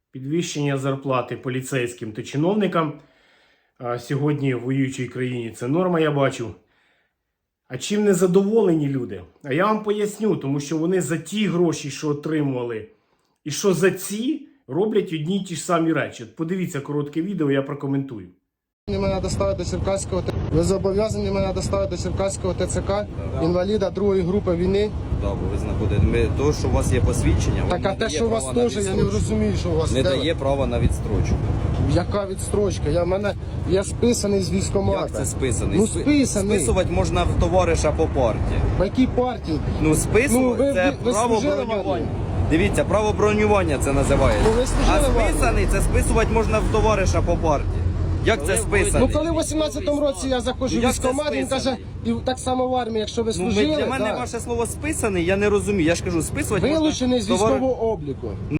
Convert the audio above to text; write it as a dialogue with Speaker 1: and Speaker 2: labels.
Speaker 1: підвищення зарплати поліцейським та чиновникам. Сьогодні в воюючій країні це норма, я бачу. А чим не задоволені люди? А я вам поясню, тому що вони за ті гроші, що отримували, і що за ці, роблять одні й ті ж самі речі. От подивіться коротке відео, я прокоментую.
Speaker 2: Мене доставити до Черкаського ТЦК. Ви зобов'язані мене доставити до Черкаського ТЦК, інваліда другої групи війни.
Speaker 3: Так, бо ви знаходите. То, що у вас є посвідчення,
Speaker 2: Так, а те, що у вас теж, я не розумію, що у вас
Speaker 3: не дає права на відстрочку.
Speaker 2: Яка відстрочка? Я списаний з військкомата.
Speaker 3: Як це списаний?
Speaker 2: Ну, списаний.
Speaker 3: Списувати можна в товариша по партії.
Speaker 2: В якій партії?
Speaker 3: Ну, списувати це
Speaker 2: ви
Speaker 3: право
Speaker 2: служили в
Speaker 3: бронювання.
Speaker 2: армії?
Speaker 3: Дивіться, право бронювання це називається.
Speaker 2: Ну, ви служили
Speaker 3: А
Speaker 2: в армії?
Speaker 3: списаний це списувати можна в товариша по партії. Як це списаний?
Speaker 2: Ну, коли в 18-му році я заходжу в
Speaker 3: Як це
Speaker 2: військкомат, він каже,
Speaker 3: списаний?
Speaker 2: і так само в армії, якщо ви
Speaker 3: Ну,
Speaker 2: служили,
Speaker 3: для мене
Speaker 2: да.
Speaker 3: ваше слово списаний, я не розумію. Я ж кажу, списувати
Speaker 2: Вилучений з
Speaker 3: можна
Speaker 2: військового обліку.